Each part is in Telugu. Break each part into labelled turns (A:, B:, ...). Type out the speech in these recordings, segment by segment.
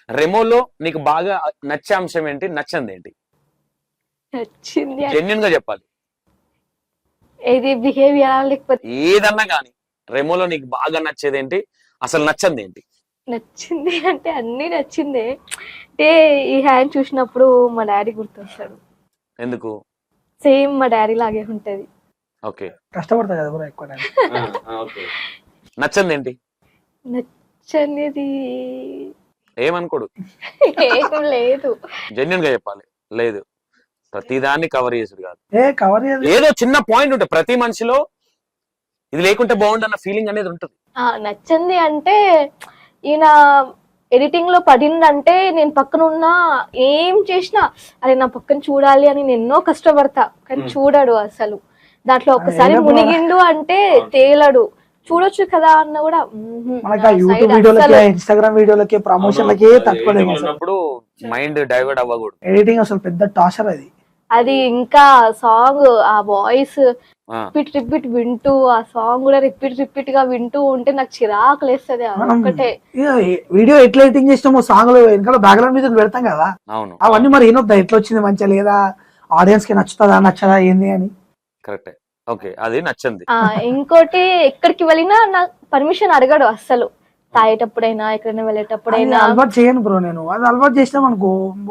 A: రెమోలో నీకు బాగా నచ్చే అంశం ఏంటి, నచ్చంది ఏంటి?
B: నచ్చింది
A: జెన్యున్ గా చెప్పాలి,
B: ఏది బిహేవియర్ లేకపోతే
A: ఏదన్నా కానీ. రెమోలో నీకు బాగా నచ్చేది ఏంటి, అసలు నచ్చంది ఏంటి?
B: నచ్చింది అంటే అన్ని నచ్చిందే. అంటే ఈ హ్యాండ్ చూసినప్పుడు మా డాడీ గుర్తొస్తాడు.
A: ఎందుకు?
B: సేమ్ మా డాడీ లాగే ఉంటది.
A: ఓకే,
C: కష్టపడతా కదా బ్రో ఎక్కువ
A: నచ్చంది ఏంటి?
B: నచ్చనిది
A: ఏమనుకోడు,
B: ఏం లేదు.
A: జెన్యున్ గా చెప్పాలి. లేదు, ప్రతిదాన్ని కవర్ చేసుడు కాదు,
C: కవర్
A: ఏదో చిన్న పాయింట్ ఉంటుంది ప్రతి మనిషిలో, ఇది లేకుంటే బాగుండు అన్న ఫీలింగ్ అనేది ఉంటుంది.
B: నచ్చింది అంటే ఈయన ఎడిటింగ్ లో పడిందంటే నేను పక్కన ఉన్నా ఏం చేసినా అరే నా పక్కన చూడాలి అని నేను ఎన్నో కష్టపడతా, కానీ చూడడు అసలు. దాంట్లో ఒక్కసారి మునిగిండు అంటే తేలడు. చూడొచ్చు కదా అన్న కూడా
C: యూట్యూబ్ వీడియోలకి ఇన్స్టాగ్రామ్ వీడియోలకి ప్రమోషన్లకి తక్కువ
A: మైండ్ డైవర్ట్ అవ్వకూడదు.
C: ఎడిటింగ్ అసలు పెద్ద టార్చర్ అది.
B: అది ఇంకా సాంగ్ ఆ వాయిస్ రిపీట్ వింటూ ఆ సాంగ్ కూడా రిపీట్ గా వింటూ ఉంటే నాకు చిరాకు లేస్తుంది. ఒకటే
C: వీడియో ఎట్లా ఎడిటింగ్ చేసినామో సాంగ్ లో వెనకాల బ్యాక్గ్రౌండ్ మ్యూజిక్ పెడతాం కదా, అవన్నీ మరి ఏనొద్దా ఎట్లా వచ్చింది మంచిగా లేదా, ఆడియన్స్ కి నచ్చుతుందా నచ్చదా ఏంది అని.
A: కరెక్ట్, ఓకే, అది నచ్చింది.
B: ఇంకోటి ఎక్కడికి వెళ్ళినా నాకు పర్మిషన్ అడగడు అస్సలు. తాగేటప్పుడైనా ఎక్కడైనా వెళ్ళేటప్పుడైనా
C: అలవాటు చేయను బ్రో నేను. అది అలవాటు చేసినాం అనుకో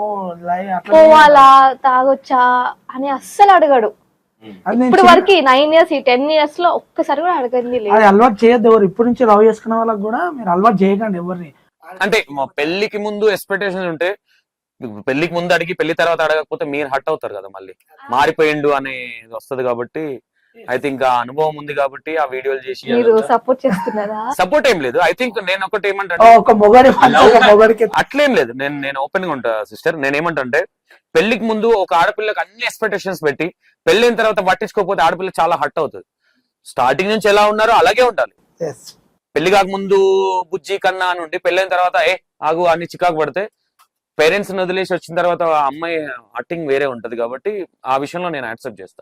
B: పోవాలా తాగొచ్చా అని అస్సలు అడగడు. ఇప్పుడు వరకు 9 years 10 years లో ఒక్కసారి కూడా అడగండి లేదు.
C: అది అలవాటు చేయొద్దు ఎవరు. ఇప్పటి నుంచి లవ్ చేసుకున్న వాళ్ళకి కూడా మీరు అలవాటు చేయకండి ఎవరిని.
A: అంటే మా పెళ్లికి ముందు ఎక్స్పెక్టేషన్ ఉంటే, పెళ్లికి ముందు అడిగి పెళ్లి తర్వాత అడగకపోతే మీరు హట్ అవుతారు కదా, మళ్ళీ మారిపోయిండు అనేది వస్తుంది. కాబట్టి ఐ థింక్ ఆ అనుభవం ఉంది కాబట్టి ఆ వీడియోలు చేసి
B: సపోర్ట్ చేస్తున్నారా?
A: సపోర్ట్ ఏం లేదు. ఐ థింక్ నేను ఒకటి ఏమంటా, అట్లేం లేదు. నేను ఓపెన్ గా ఉంటా సిస్టర్. నేను ఏమంటే పెళ్లికి ముందు ఒక ఆడపిల్లకి అన్ని ఎక్స్పెక్టేషన్స్ పెట్టి పెళ్ళైన తర్వాత పట్టించుకోకపోతే ఆడపిల్ల చాలా హట్ అవుతుంది. స్టార్టింగ్ నుంచి ఎలా ఉన్నారో అలాగే ఉండాలి. పెళ్లి కాక ముందు బుజ్జి కన్నా అని ఉండి పెళ్ళైన తర్వాత ఆగు అని చికాకు పడితే పేరెంట్స్ వదిలేసి వచ్చిన తర్వాత అమ్మాయి హట్టింగ్ వేరే ఉంటది. కాబట్టి ఆ విషయంలో నేను యాక్సెప్ట్ చేస్తా.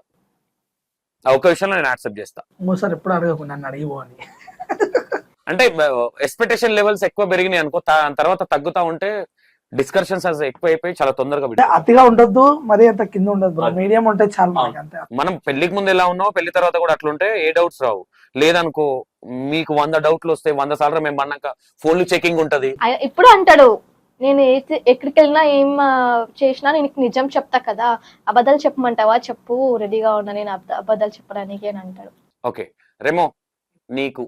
A: ఒక విషయంలో నేను యాక్సెప్ట్ చేస్తా.
C: ఎప్పుడు అడగకుండా అడిగిపో అని.
A: అంటే ఎక్స్పెక్టేషన్ లెవెల్స్ ఎక్కువ పెరిగినాయి అనుకో, తర్వాత తగ్గుతా ఉంటే డిస్కషన్స్ ఎక్కువ అయిపోయి చాలా తొందరగా
C: అతిగా ఉండొద్దు, మరి అంత కింద ఉండదు, మీడియం ఉంటే చాలా.
A: మనం పెళ్లికి ముందు ఎలా ఉన్నావు పెళ్లి తర్వాత కూడా అట్లుంటే ఏ డౌట్స్ రావు. లేదనుకో మీకు 100 డౌట్లు వస్తాయి. 100 సార్లు మేము అన్నాక ఫోన్లు చెకింగ్ ఉంటది.
B: ఇప్పుడు అంటాడు నేను ఎక్కడికి వెళ్ళినా ఏం చేసినా నేను నిజం చెప్తా కదా, అబద్ధాలు చెప్పమంటావా చెప్పు, రెడీగా ఉన్నా నేను అబద్ధాలు చెప్పడానికి అని అంటాడు.
A: ఓకే రెమో, నీకు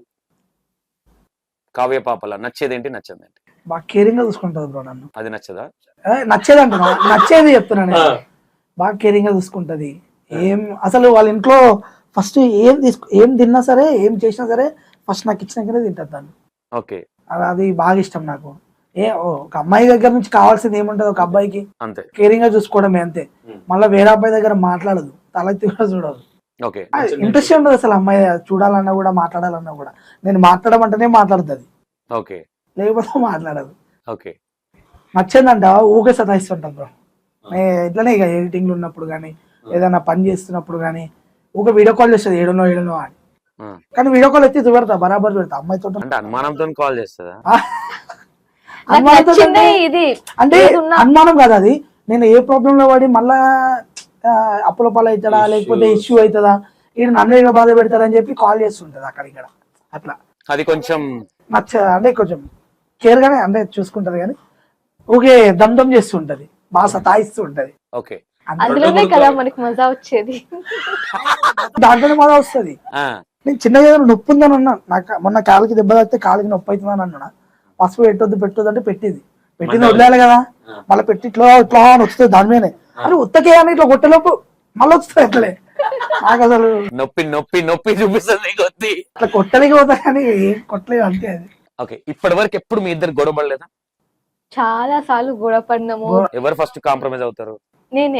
A: కావ్య పాపల నచ్చేదేంటి, నచ్చదేంటి?
C: బాగా కేరింగ్ గా చూసుకుంటది బ్రో నన్ను.
A: అది నచ్చదా?
C: నచ్చేది అంటున్నా, నచ్చేది చెప్తున్నాను. బాగా కేరింగ్ గా చూసుకుంటది. ఏం అసలు వాళ్ళ ఇంట్లో ఫస్ట్ ఏం తిన్నా సరే ఏం చేసినా సరే ఫస్ట్ నాకు ఇచ్చినాకనే తింటది దాన్ని.
A: ఓకే,
C: అది బాగా ఇష్టం నాకు. ఒక అమ్మాయి దగ్గర నుంచి కావాల్సింది ఏముంటది, ఒక అబ్బాయికి
A: అంతే
C: కేరింగ్ గా చూసుకోవడమే అంతే. మళ్ళీ వేరే అబ్బాయి దగ్గర మాట్లాడదు, తలెత్తి కూడా చూడదు. ఇంట్రెస్ట్ ఉండదు అసలు అమ్మాయి చూడాలన్నా కూడా మాట్లాడాలన్నా కూడా. నేను మాట్లాడమంటేనే మాట్లాడుతుంది,
A: ఓకే
C: లేకపోతే మాట్లాడదు.
A: ఓకే,
C: నచ్చిందంట ఊకే సతాయిస్తుంటాం బ్రో. ఇట్లనే ఇక ఎడిటింగ్ ఉన్నప్పుడు కానీ ఏదైనా పని చేస్తున్నప్పుడు కానీ ఊకే వీడియో కాల్ చేస్తుంది ఏడునో అని. కానీ వీడియో కాల్ ఎత్తి చూపెడతా, బరాబర్ పెడతా అమ్మాయితో.
A: అనుమానంతో కాల్ చేస్తుందా?
C: అంటే అనుమానం కదా అది. నేను ఏ ప్రాబ్లం లో పడి మళ్ళా అప్పుల పాలు అవుతాడా లేకపోతే ఇష్యూ అవుతుందా, ఈయన నన్ను బాధ పెడతాడని చెప్పి కాల్ చేస్తుంటది అక్కడ ఇక్కడ. అట్లా
A: అది కొంచెం
C: అంటే కొంచెం కేర్ గానే అంటే చూసుకుంటది, కానీ ఊకే దమ్దం చేస్తుంటది, బాగా సతాయిస్తూ ఉంటది.
A: ఓకే,
B: అందులోనే కదా మనకి మజా వచ్చేది.
C: దాంట్లోనే మజా వస్తుంది. నేను చిన్నగా నొప్పి ఉందని అన్నా, నాకు మొన్న కాలికి దెబ్బ తాకితే కాలికి నొప్పి అవుతుందని అన్నా. పసుపు పెట్టొద్దు అంటే పెట్టింది వదిలేయాలి కదా, మళ్ళీ పెట్టి ఇట్లా ఇట్లా అని వస్తుంది దాని మీదనే. అని ఉత్తకే అని ఇట్లా కొట్టేలోపు మళ్ళీ వస్తుంది ఎట్లే. నాకు అసలు
A: నొప్పి నొప్పి నొప్పి చూపిస్తుంది
C: అట్లా కొట్టలేక పోతా కానీ కొట్టలేదు అంతే. అది
A: ఓకే, ఇప్పటి వరకు ఎప్పుడు మీ ఇద్దరు గొడవ పడలేదా?
B: చాలా సార్లు గొడవ పడినాము.
A: ఎవరు ఫస్ట్ కాంప్రమైజ్ అవుతారు?
B: నేనే.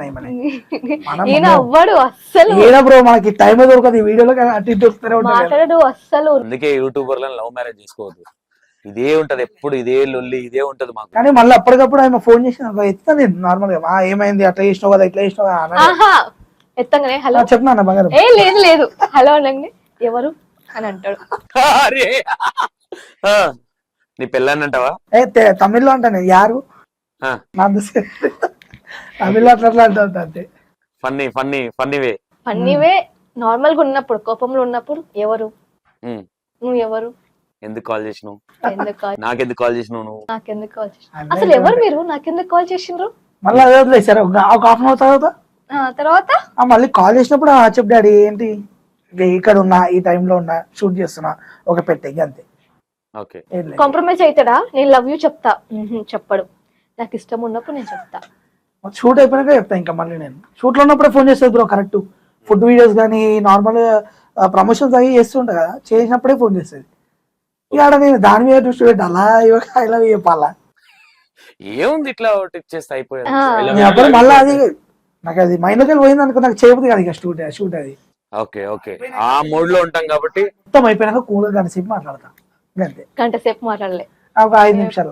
C: అవ్వడు అస్సలు బ్రో, మనకి టైం దొరకదు ఈ వీడియోలో
B: మాట్లాడడు అస్సలు.
A: అందుకే యూట్యూబర్లను లవ్ మ్యారేజ్ చేసుకోవద్దు, ఇదే ఉంటది ఎప్పుడు, ఇదే లొల్లి ఇదే ఉంటది మాకు.
C: కానీ మళ్ళీ అప్పటికప్పుడు ఆయన ఫోన్ చేసిన ఎత్తా నేను నార్మల్ గా ఏమైంది అట్లా చేసినావు కదా ఇట్లా చేసినావు
B: ఎత్తగానే హలో
C: చెప్పినా బంగారం
B: లేదు హలో అనగానే ఎవరు అని అంటాడు.
A: నీ పెళ్ళాన్ని అంటావా?
C: తమిళ్లో అంటాను యారు
A: ఆ.
C: నా తమిళ్లో అట్లా అంటా అంతే.
A: Funny funny funny way.
B: అన్నివే నార్మల్ గా ఉన్నప్పుడు, కోపంలో ఉన్నప్పుడు ఎవరు నువ్వు, ఎవరు,
A: ఎందుకు కాల్ చేసినావు,
B: ఎందుకు కాల్,
A: నాకెందుకు కాల్ చేసినావు నువ్వు,
B: నాకెందుకు కాల్ చేసి, అసలు ఎవరు మీరు, నాకెందుకు కాల్ చేసిండ్రు?
C: మళ్ళీ అదే వదిలేసారు ఒక హాఫ్ అన్ అవర్ తర్వాత.
B: తర్వాత
C: మళ్ళీ కాల్ చేసినప్పుడు చెప్పు డాడీ ఏంటి ఇక్కడ ఉన్నా, ఈ టైంలో ఉన్నా, షూట్ చేస్తున్నా, ఒక పెట్టే అంతే.
A: ఓకే.
B: కాంప్రమైజ్ అవుతాడా? నేను లవ్ యూ చెప్తా, చెప్పడు. నాకు ఇష్టం ఉన్నప్పుడు నేను చెప్తా.
C: షూట్ అయిపోయినాక చెప్తా. ఇంకా మళ్ళీ నేను షూట్ లో ఉన్నప్పుడే ఫోన్ చేస్తుంది బ్రో. కరెక్ట్ ఫుడ్ వీడియోస్ కానీ నార్మల్ ప్రమోషన్స్ అవి చేస్తుంటా కదా, చేసినప్పుడే ఫోన్ చేస్తుంది. ఇక నేను దాని మీద దృష్టి పెట్టి అలా ఇలా చెప్పాలా,
A: ఏముంది ఇట్లా ఒకటి ఇచ్చేస్తే అయిపోయాడు.
C: అప్పుడు మళ్ళీ అది నాకు అది మైండ్లోకి వెళ్ళి పోయింది అనుకో, నాకు చేయబుద్ది కదా ఇక షూట్ అది.
A: ఓకే ఓకే, ఆ మూడ్ లో ఉంటాం కాబట్టి
C: మొత్తం అయిపోయినాక కూల్ గంట సేపు మాట్లాడతా అంతే.
B: గంట సేపు మాట్లాడలే,
C: ఒక 5 నిమిషాలు.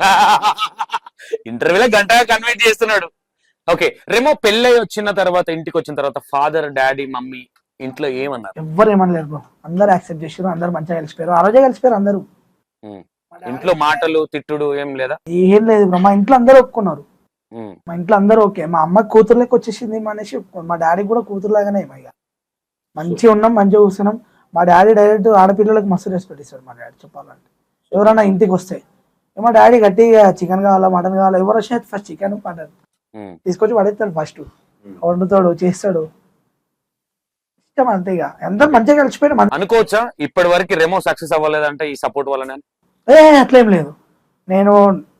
A: ఇంటర్వ్యూలో గంటగా కన్వర్ట్ చేస్తున్నాడు. ఓకే రేమో పెళ్ళై వచ్చిన తర్వాత, ఇంటికి వచ్చిన తర్వాత ఫాదర్, డాడీ, మమ్మీ ఇంట్లో ఏమన్నారు?
C: ఎవ్వరు ఏమనలేరు బ్రో, అందరు యాక్సెప్ట్ చేసారు, అందరు మంచిగా కలిసిపోయారు. ఆ రోజే కలిసిపోయారు అందరూ.
A: ఇంట్లో మాటలు తిట్టుడు ఏం లేదా?
C: ఏం లేదు బ్రో, మా ఇంట్లో అందరూ ఒప్పుకున్నారు. మా ఇంట్లో అందరూ ఓకే. మా అమ్మ కూతురులోకి వచ్చేసింది అనేసి, మా డాడీ కూడా కూతురులాగానే ఇక మంచిగా ఉన్నాం, మంచిగా కూర్చున్నాం. మా డాడీ డైరెక్ట్ ఆడపిల్లలకు మస్తు రెస్పెక్ట్ ఇస్తాడు మా డాడీ. చెప్పాలంటే ఎవరైనా ఇంటికి వస్తే మా డాడీ గట్టిగా చికెన్ కావాలా, మటన్ కావాలా, ఎవరు వచ్చినా ఫస్ట్ చికెన్ మటన్ తీసుకొచ్చి పడేస్తాడు. ఫస్ట్ వండుతాడు, చేస్తాడు, ఇష్టం అంతే. ఇక అందరూ మంచిగా కలిసిపోయాడు.
A: అనుకోవచ్చా ఇప్పటి వరకు రెమో సక్సెస్ అవ్వలేదంటే ఈ సపోర్ట్ వల్లనే?
C: అట్లేం లేదు. నేను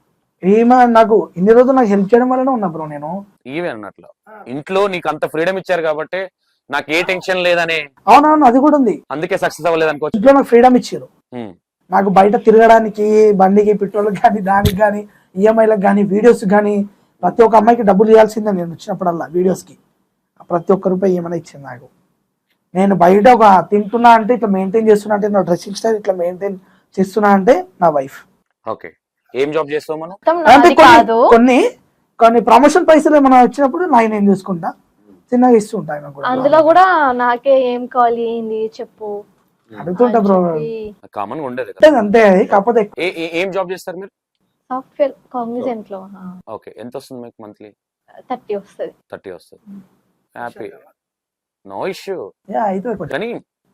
C: ఏమో నాకు ఇన్ని రోజులు నాకు హెల్ప్ చేయడం వల్లనే ఉన్నా బ్రో. నేను
A: ఈవెన్ అన్నట్లు ఇంట్లో నీకు అంత ఫ్రీడమ్ ఇచ్చారు కాబట్టి నాకు ఏ టెన్షన్ లేదనే.
C: అవునవును, అది కూడా ఉంది.
A: అందుకే సక్సెస్ అవ్వలేదు అనుకోవచ్చు.
C: ఇంట్లో నాకు ఫ్రీడమ్ ఇచ్చారు. నాకు బయట తిరగడానికి, బండికి పెట్రోల్కి కానీ, దానికి కానీ, ఈఎంఐలకు కానీ, వీడియోస్ కానీ, ప్రతి ఒక్క అమ్మాయికి డబ్బులు ఇవ్వాల్సిందే. నేను వచ్చినప్పుడల్లా వీడియోస్కి ప్రతి ఒక్క రూపాయి ఏమైనా ఇచ్చింది నాకు. నేను బయట ఒక తింటున్నా అంటే ఇట్లా మెయింటైన్ చేస్తున్నా అంటే, నా డ్రెస్సింగ్ స్టైల్ ఇట్లా మెయింటైన్ చేస్తున్నా అంటే నా వైఫ్.
A: ఓకే, ఏం జాబ్ చేస్తావు మనం?
C: అంటే కొన్ని ప్రమోషన్ పైసలు ఏమైనా వచ్చినప్పుడు నేను చూసుకుంటా, చిన్నగా ఇస్తుంటా.
B: అందులో కూడా నాకే ఏం కావాలి, ఏంది చెప్పు
C: అడుగుతుంటా బ్రో.
A: కామన్ గా ఉండేది
C: అంతే. కాకపోతే
A: ఏం జాబ్ చేస్తారు మీరు?
B: సాఫ్ట్వేర్ కాగ్నిజెంట్ లో.
A: ఓకే, ఎంత వస్తుంది మీకు మంత్లీ?
B: 30 వస్తుంది.
A: 30 వస్తుంది. Happy, no issue. కానీ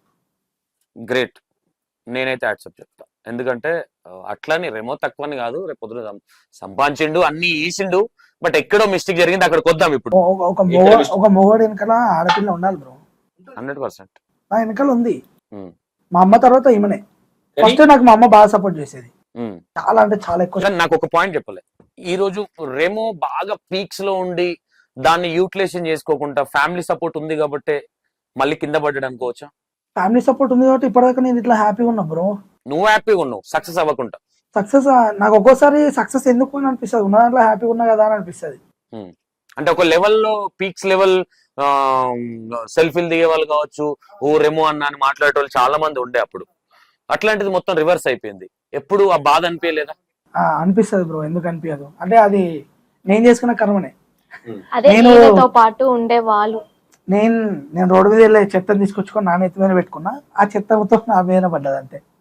A: గ్రేట్, నేనైతే యాక్సెప్ట్ చెప్తా. ఎందుకంటే అట్లని రెమో తక్కువని కాదు, రేపు పొద్దున సంపాదించిండు, అన్ని ఈసిండు, బట్ ఎక్కడో మిస్టేక్ జరిగింది, అక్కడికి వద్దాం. ఇప్పుడు
C: ఒక మొగోడు వెనకాల ఆడపిల్ల ఉండాలి బ్రో.
A: 100%
C: నా వెనకాల ఉంది. మా అమ్మ తర్వాత ఈమెనే. ఫస్ట్ నాకు మా అమ్మ బాగా సపోర్ట్ చేసేది, చాలా అంటే చాలా ఎక్కువ.
A: నాకు ఒక పాయింట్ చెప్పలే, ఈ రోజు రెమో బాగా పీక్స్ లో ఉండి దాన్ని యూటిలైజేషన్ చేసుకోకుండా ఫ్యామిలీ సపోర్ట్ ఉంది కాబట్టి మళ్ళీ కింద పడ్డాడు అనుకోవచ్చా?
C: ఫ్యామిలీ సపోర్ట్ ఉంది కాబట్టి ఇప్పటిదాకా నేను ఇట్లా హ్యాపీగా ఉన్నా బ్రో.
A: నువ్వు హ్యాపీగా ఉన్నావు సక్సెస్ అవ్వకుండా.
C: సక్సెస్ నాకు ఒక్కోసారి సక్సెస్ ఎందుకు అని అనిపిస్తుంది, ఉన్న దాంట్లో హ్యాపీగా ఉన్నా కదా అని అనిపిస్తుంది.
A: అంటే ఒక లెవెల్లో పీక్స్ లెవెల్ సెల్ఫీలు దిగే వాళ్ళు కావచ్చు, ఓ రెమో అన్న అని మాట్లాడే వాళ్ళు చాలా మంది ఉండే అప్పుడు. అట్లాంటిది మొత్తం రివర్స్ అయిపోయింది. ఎప్పుడు ఆ బాధ అనిపించలేదా?
C: అనిపిస్తుంది బ్రో, ఎందుకు అనిపించదు అంటే అది నేను చేసుకున్న కర్మనే.
B: నేను పాటు ఉండే వాళ్ళు,
C: నేను రోడ్డు మీద వెళ్ళే చెత్తను తీసుకొచ్చుకొని నా నెత్తి మీద పెట్టుకున్నా, ఆ చెత్త మొత్తం నా మీద పడ్డది అంతే.